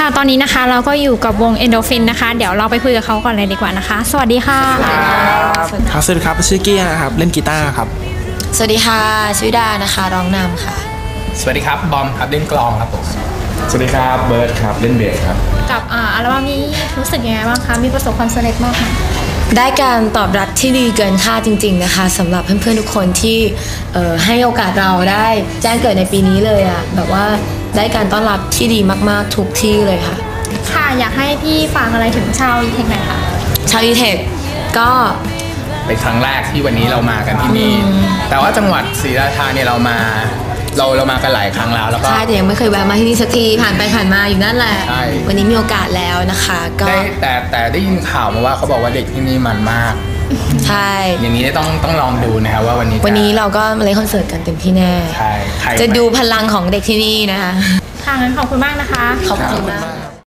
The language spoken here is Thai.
ตอนนี้นะคะเราก็อยู่กับวง Endorphin นะคะเดี๋ยวเราไปคุยกับเขาก่อนเลยดีกว่านะคะสวัสดีค่ะครับสวัสดีครับชื่อเกียร์นะครับเล่นกีตาร์ครับสวัสดีค่ะชื่อดานะคะร้องนำค่ะสวัสดีครับบอมครับเล่นกลองครับผมสวัสดีครับเบิร์ดครับเล่นเบสครับกับอัลบั้มนี้รู้สึกยังไงบ้างคะมีประสบความสำเร็จมากค่ะได้การตอบรับที่ดีเกินคาดจริงๆนะคะสำหรับเพื่อนๆทุกคนที่ให้โอกาสเราได้แจ้งเกิดในปีนี้เลยอะแบบว่าได้การต้อนรับที่ดีมากๆทุกที่เลยค่ะค่ะอยากให้พี่ฝากอะไรถึงชาวอีเทคหน่อยค่ะชาวอีเทคก็เป็นครั้งแรกที่วันนี้เรามากันที่นี่แต่ว่าจังหวัดศรีราชาเนี่ยเรามากันหลายครั้งแล้วก็ใช่แต่ยังไม่เคยแวะมาที่นี่สักทีผ่านไปผ่านมาอยู่นั่นแหละวันนี้มีโอกาสแล้วนะคะก็แต่ได้ยินข่าวมาว่าเขาบอกว่าเด็กที่นี่มันมากใช่อย่างนี้ต้องลองดูนะครับว่าวันนี้เราก็มาเล่นคอนเสิร์ตกันเต็มที่แน่ใช่จะดูพลังของเด็กที่นี่นะคะค่ะงั้นขอบคุณมากนะคะขอบคุณมาก